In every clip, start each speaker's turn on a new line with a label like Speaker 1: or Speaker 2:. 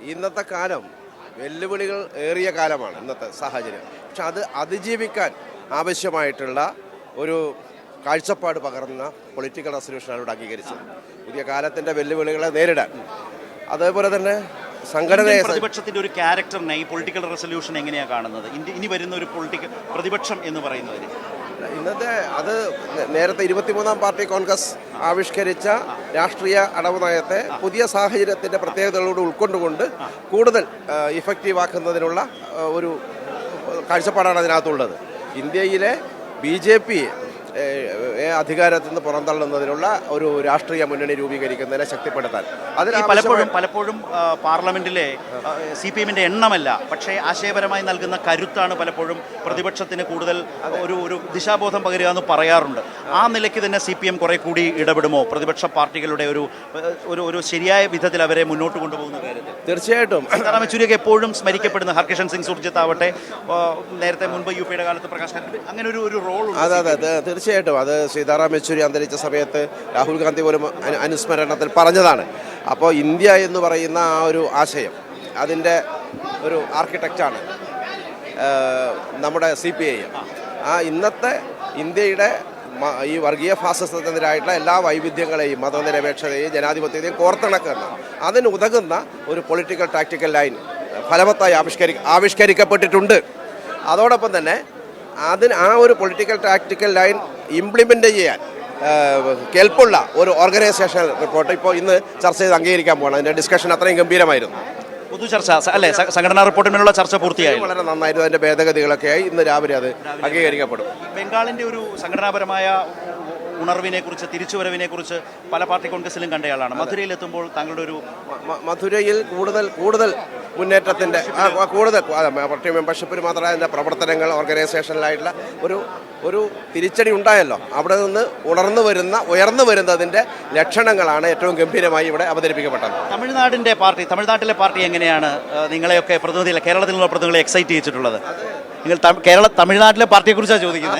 Speaker 1: ഇന്നത്തെ കാലം വെല്ലുവിളികൾ ഏറിയ കാലമാണ് ഇന്നത്തെ സാഹചര്യം. പക്ഷെ അത് അതിജീവിക്കാൻ ആവശ്യമായിട്ടുള്ള ഒരു കാഴ്ചപ്പാട് പകർന്ന പൊളിറ്റിക്കൽ റെസൊല്യൂഷനാണ് ഇവിടെ അംഗീകരിച്ചത്. പുതിയ കാലത്തിൻ്റെ വെല്ലുവിളികളെ നേരിടാൻ. അതേപോലെ തന്നെ സംഘടനയെ
Speaker 2: പ്രതിപക്ഷത്തിന്റെ ഒരു ക്യാരക്ടറിനെ ഈ പൊളിറ്റിക്കൽ റെസൊല്യൂഷൻ എങ്ങനെയാണ് കാണുന്നത്? ഇനി വരുന്ന ഒരു പൊളിറ്റിക്കൽ പ്രതിപക്ഷം എന്ന് പറയുന്നതിന്
Speaker 1: ഇന്നത്തെ അത് നേരത്തെ 23-ാം പാർട്ടി കോൺഗ്രസ് ആവിഷ്കരിച്ച രാഷ്ട്രീയ അടവ് നയത്തെ പുതിയ സാഹചര്യത്തിൻ്റെ പ്രത്യേകതകളോട് ഉൾക്കൊണ്ടുകൊണ്ട് കൂടുതൽ ഇഫക്റ്റീവ് ആക്കുന്നതിനുള്ള ഒരു കാഴ്ചപ്പാടാണ് അതിനകത്തുള്ളത്. ഇന്ത്യയിലെ BJP അധികാരത്തിൽ നിന്ന് പുറന്തള്ളുന്നതിനുള്ള ഒരു രാഷ്ട്രീയ മുന്നണി രൂപീകരിക്കുന്നതിനെ ശക്തിപ്പെടുത്താൻ
Speaker 2: പലപ്പോഴും പാർലമെന്റിലെ CPM-ന്റെ എണ്ണമല്ല, പക്ഷേ ആശയപരമായി നൽകുന്ന കരുത്താണ് പലപ്പോഴും പ്രതിപക്ഷത്തിന് കൂടുതൽ ഒരു ദിശാബോധം പകരുക എന്ന് പറയാറുണ്ട്. ആ നിലയ്ക്ക് തന്നെ CPM കുറെ കൂടി ഇടപെടുമോ പ്രതിപക്ഷ പാർട്ടികളുടെ ഒരു ശരിയായ വിധത്തിൽ അവരെ മുന്നോട്ട് കൊണ്ടുപോകുന്ന കാര്യത്തിൽ?
Speaker 1: തീർച്ചയായിട്ടും
Speaker 2: സീതാറാം യെച്ചൂരിയൊക്കെ എപ്പോഴും സ്മരിക്കപ്പെടുന്ന ഹർകിഷൻ സിംഗ് സുർജിത്ത് ആവട്ടെ, നേരത്തെ മുൻപ് UP-യുടെ കാലത്ത് പ്രകാശ് അങ്ങനെ ഒരു റോൾ.
Speaker 1: അതെ, തീർച്ചയായിട്ടും അത് സീതാറാം യെച്ചൂരി അന്തരിച്ച സമയത്ത് രാഹുൽ ഗാന്ധി പോലും അനുസ്മരണത്തിൽ പറഞ്ഞതാണ്. അപ്പോൾ ഇന്ത്യ എന്ന് പറയുന്ന ആ ഒരു ആശയം, അതിൻ്റെ ഒരു ആർക്കിടെക്റ്റാണ് നമ്മുടെ CPI. ആ ഇന്നത്തെ ഇന്ത്യയുടെ ഈ വർഗീയ ഫാസിസത്തിനെതിരായിട്ടുള്ള എല്ലാ വൈവിധ്യങ്ങളെയും മതനിരപേക്ഷതയും ജനാധിപത്യത്തെയും കോർത്തിണക്കുന്ന അതിനുതകുന്ന ഒരു പൊളിറ്റിക്കൽ ടാക്ടിക്കൽ ലൈൻ ഫലവത്തായി ആവിഷ്കരിക്കപ്പെട്ടിട്ടുണ്ട്. അതോടൊപ്പം തന്നെ ആ ഒരു പൊളിറ്റിക്കൽ ടാക്ടിക്കൽ ലൈൻ ഇംപ്ലിമെൻ്റ് ചെയ്യാൻ കെൽപ്പുള്ള ഒരു ഓർഗനൈസേഷൻ റിപ്പോർട്ട് ഇപ്പോൾ ഇന്ന് ചർച്ച ചെയ്ത് അംഗീകരിക്കാൻ പോകണം. അതിൻ്റെ ഡിസ്കഷൻ അത്രയും ഗംഭീരമായിരുന്നു.
Speaker 2: പൊതു ചർച്ച അല്ലേ? സംഘടനാ റിപ്പോർട്ടിനുള്ള ചർച്ച പൂർത്തിയായി,
Speaker 1: വളരെ നന്നായിരുന്നു. അതിൻ്റെ ഭേദഗതികളൊക്കെയായി ഇന്ന് രാവിലെ അത് അംഗീകരിക്കപ്പെടും.
Speaker 2: ബംഗാളിൻ്റെ ഒരു സംഘടനാപരമായ ഉണർവിനെ കുറിച്ച്, തിരിച്ചുവരവിനെ കുറിച്ച് പല പാർട്ടി കോൺഗ്രസിലും കണ്ടയാളാണ്. മധുരയിലെത്തുമ്പോൾ താങ്കളുടെ ഒരു
Speaker 1: മധുരയിൽ കൂടുതൽ മുന്നേറ്റത്തിൻ്റെ കൂടുതൽ പാർട്ടി മെമ്പർഷിപ്പിന് മാത്രമല്ല അതിൻ്റെ പ്രവർത്തനങ്ങൾ ഓർഗനൈസേഷനിലായിട്ടുള്ള ഒരു തിരിച്ചടി ഉണ്ടായല്ലോ. അവിടെ നിന്ന് ഉയർന്നു വരുന്നതിൻ്റെ ലക്ഷണങ്ങളാണ് ഏറ്റവും ഗംഭീരമായി ഇവിടെ അവതരിപ്പിക്കപ്പെട്ടത്.
Speaker 2: തമിഴ്നാട്ടിലെ പാർട്ടി എങ്ങനെയാണ് നിങ്ങളെയൊക്കെ പ്രതിനിധികളെ, കേരളത്തിൽ നിന്നുള്ള പ്രതിനിധികളെ എക്സൈറ്റ് ചെയ്യിച്ചിട്ടുള്ളത്? നിങ്ങൾ തമിഴ്നാട്ടിലെ പാർട്ടിയെക്കുറിച്ചാണ് ചോദിക്കുന്നത്.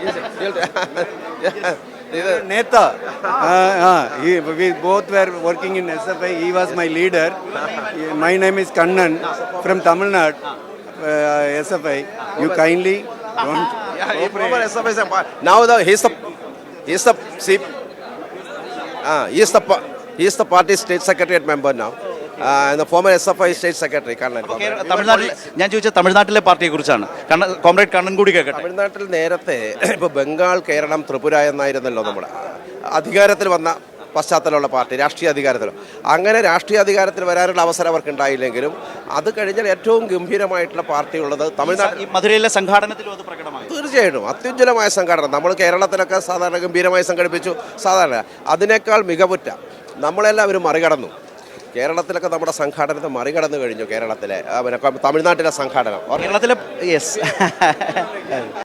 Speaker 3: Neta, we both were working in SFI. He was my leader. My name is Kannan from Tamil Nadu, SFI. You kindly don't.
Speaker 1: Now he is the party state secretariat member now. And the former SFI state secretary Kannan.
Speaker 2: തമിഴ്നാട്ടിൽ ഞാൻ ചോദിച്ച തമിഴ്നാട്ടിലെ പാർട്ടിയെ കുറിച്ചാണ്. Comrade Kannan കൂടി കേൾക്കട്ടെ.
Speaker 1: തമിഴ്നാട്ടിൽ നേരത്തെ ഇപ്പോൾ ബംഗാൾ, കേരളം, ത്രിപുര എന്നായിരുന്നല്ലോ നമ്മുടെ അധികാരത്തിൽ വന്ന പശ്ചാത്തലമുള്ള പാർട്ടി, രാഷ്ട്രീയ അധികാരത്തിൽ. അങ്ങനെ രാഷ്ട്രീയ അധികാരത്തിൽ വരാനുള്ള അവസരം അവർക്ക് ഉണ്ടായില്ലെങ്കിലും അത് കഴിഞ്ഞാൽ ഏറ്റവും ഗംഭീരമായിട്ടുള്ള പാർട്ടി ഉള്ളത് തമിഴ്നാട്ടിൽ.
Speaker 2: മധുരയിലെ സംഘാടനത്തിലും അത് പ്രകടമായി.
Speaker 1: തീർച്ചയായിട്ടും അത്യുജ്വലമായ സംഘടന. നമ്മൾ കേരളത്തിലൊക്കെ സാധാരണ ഗംഭീരമായി സംഘടിപ്പിച്ചു. സാധാരണ അതിനേക്കാൾ മികവുറ്റ നമ്മളെല്ലാവരും മറികടന്നു. കേരളത്തിലൊക്കെ നമ്മുടെ സംഘാടനത്തെ മറികടന്നു കഴിഞ്ഞു. തമിഴ്നാട്ടിലെ സംഘാടനം
Speaker 2: കേരളത്തിലെ